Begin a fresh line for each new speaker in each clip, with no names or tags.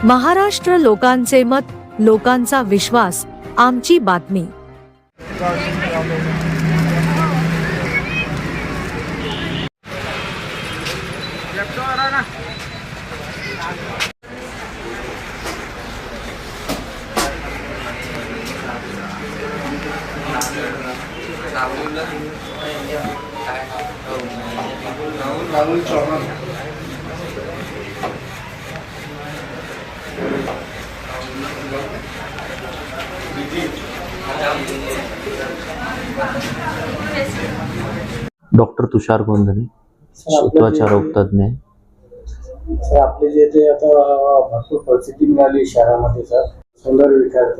महाराष्ट्र लोकांचे मत, लोकांचा विश्वास, आमची बातमी।
डॉक्टर तुषार गोंधळे, त्वचा रोग तज्ञ।
सर आपले जे ते आता भरपूर परिस्थिती मिळाली शहरामध्ये सर सौंदर्य विकास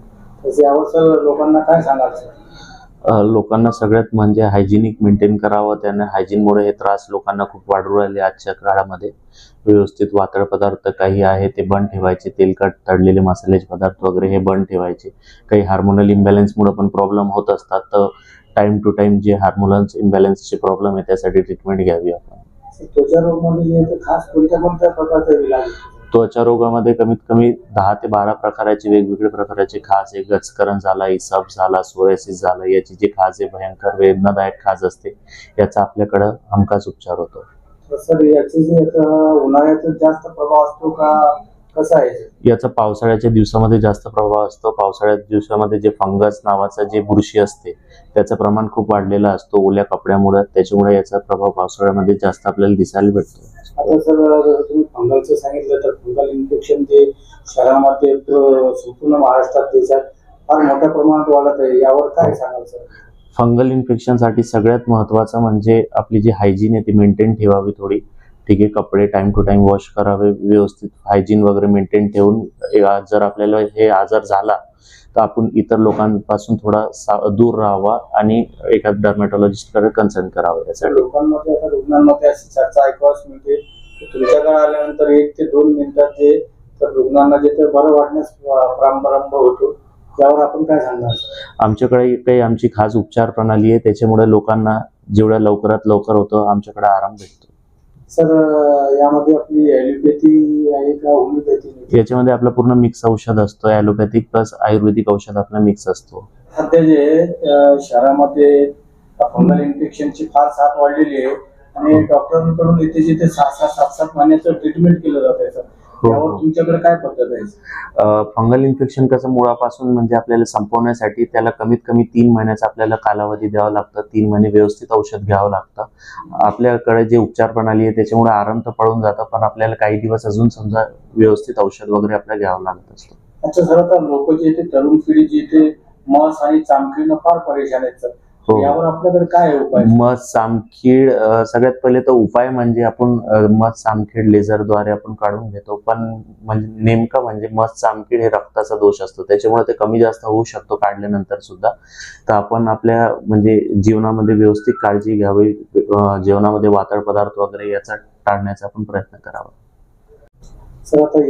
तसे यावर सर लोकांना काय सांगाल सर?
लोकांना सगळ्यात म्हणजे हायजिनिक मेंटेन करावं। त्याने हायजीनमुळे हे त्रास लोकांना खूप वाढू राहिले आजच्या काळामध्ये। व्यवस्थित वातळ पदार्थ काही आहे ते बंद ठेवायचे, तेलकट तळलेले मसाल्याचे पदार्थ वगैरे हे बंद ठेवायचे। काही हार्मोनल इम्बॅलन्समुळे पण प्रॉब्लेम होत असतात, तर टाइम टू टाइम जे हार्मोनल इम्बॅलन्सचे प्रॉब्लेम आहे त्यासाठी ट्रीटमेंट घ्यावी आपण।
त्वचा रोगमध्ये जे ते खास कोणत्या प्रकारचे इलाज?
त्वचा रोगामध्ये कमीत कमी 10 ते 12 प्रकाराचे वेगवेगळे प्रकारचे खाज आहे। गचकरण झाला, इसब झाला, सोरायसिस झाला, याची जी खाज आहे भयंकर वेदनादायक खाज असते, याचा आपल्याकडे हमखास उपचार होतो।
सर याचे जे उन्हाळ्यात जास्त प्रभाव असतो का कसा आहे?
याचा पावसाळ्याच्या दिवसामध्ये जास्त प्रभाव असतो। पावसाळ्याच्या दिवसामध्ये जे फंगस नावाचा जे बुरशी असते त्याचं प्रमाण खूप वाढलेलं असतो ओल्या कपड्यामुळे, त्याच्यामुळे याचा प्रभाव पावसाळ्यामध्ये जास्त आपल्याला दिसायला भेटतो।
आता सर जसं तुम्ही फंगलचं सांगितलं तर फंगल इन्फेक्शन जे शहरामध्ये संपूर्ण महाराष्ट्रात देशात फार मोठ्या प्रमाणात वाढत आहे, यावर काय सांगाल सर?
फंगल इन्फेक्शनसाठी सगळ्यात महत्त्वाचं म्हणजे आपली जी हायजीन आहे ती मेंटेन ठेवावी थोडी। ठीक आहे, कपडे टाइम टू टाइम वॉश करावे, व्यवस्थित हायजीन वगैरे मेंटेन ठेवून जर आपल्याला हे आजार झाला तर आपण इतर लोकांपासून थोडा दूर राहावा आणि एका डर्मॅटॉलॉजिस्टकडे कन्सल्ट करावं। यासाठी
लोकांमध्ये आता रुग्णांमध्ये अशी चर्चा ऐकावयास मिळते की तुमच्याकडे आल्यानंतर 1 ते 2 मिनिटात जे तर रुग्णांना जे ते बरं वाटण्यास प्रारंभ होतो, त्यावर आपण काय सांगणार?
आमच्याकडे काही आमची खास उपचार प्रणाली आहे, त्याच्यामुळे लोकांना जेवढ्या लवकरात लवकर होतं आमच्याकडे आराम भेटतो।
सर यामध्ये आपली ॲलोपॅथी आहे का होमिओपॅथी?
याच्यामध्ये आपला पूर्ण मिक्स औषध असतो, ॲलोपॅथिक प्लस आयुर्वेदिक औषध आपला मिक्स असतो।
सध्या जे शहरामध्ये फंगल इन्फेक्शनची फार साथ वाढलेली आहे आणि डॉक्टरांकडून इथे जिथे 6-7 महिन्याचं ट्रीटमेंट केलं जात आहे, त्यावर तुमच्याकडे काय पद्धत आहे?
फंगल इन्फेक्शन कसं मुळापासून म्हणजे आपल्याला संपवण्यासाठी त्याला कमीत कमी 3 महिन्याचा आपल्याला कालावधी द्यावा लागतं। 3 महिने व्यवस्थित औषध घ्यावं लागतं। आपल्याकडे जे उपचार प्रणाली आहे त्याच्यामुळे आराम तर पडून जातं, पण आपल्याला काही दिवस अजून समजा व्यवस्थित औषध वगैरे आपल्याला घ्यावं लागत असतं।
अच्छा सर, आता लोक जे ते तरुण पिढी जे ते मस आणि चामखीनं फार परेशान आहेत सर, यावर आपल्याकडे काय उपाय?
मस सामखीड सगळ्यात पहिले तर उपाय म्हणजे आपण मस सामखीड लेझरद्वारे आपण काढून घेतो, पण म्हणजे नेमकं म्हणजे मस सामखीड हे रक्ताचा दोष असतो, त्याच्यामुळे ते कमी जास्त होऊ शकतो काढल्यानंतर सुद्धा। तर आपण आपल्या म्हणजे जीवनामध्ये व्यवस्थित काळजी घ्यावी, जेवणामध्ये वातळ पदार्थ वगैरे याचा टाळण्याचा आपण प्रयत्न करावा।
सर आता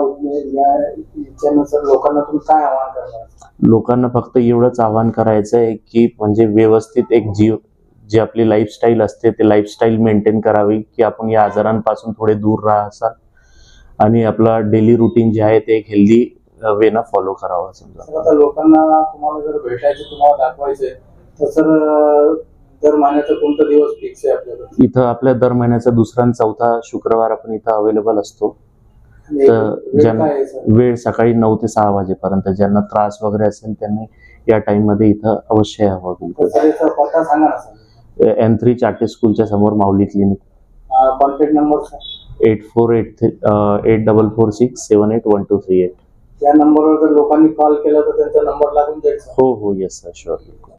याच्यानुसार लोकांना तुम्ही काय आवाहन करणार?
लोकांना फक्त एवढंच आवाहन करायचं आहे की म्हणजे व्यवस्थित एक जी आपली लाईफस्टाईल असते ते लाईफस्टाईल मेंटेन करावी, की आपण या आजारांपासून थोडे दूर राहायचं आणि आपला डेली रुटीन जे आहे ते एक हेल्दी वेनं फॉलो करावं। समजा
आता लोकांना तुम्हाला जर भेटायचं, तुम्हाला दाखवायचंय तर सर दर महिन्याचा कोणता दिवस फिक्स आहे आपल्याकडे?
इथं आपल्या दर महिन्याचा 2रा आणि 4था शुक्रवार आपण इथं अवेलेबल असतो। तर ज्यांना वेळ सकाळी 9 ते 6 वाजेपर्यंत, ज्यांना त्रास वगैरे असेल त्यांनी या टाइम मध्ये इथं अवश्य यावं।
पत्ता सांगा ना सर।
N3 चाटे स्कूलच्या समोर माऊली क्लिनिक।
कॉन्टॅक्ट नंबर
848344678123
या नंबरवर जर लोकांनी कॉल केला तर त्यांचा नंबर लागून जाईल?
हो, येस सर, शुअर।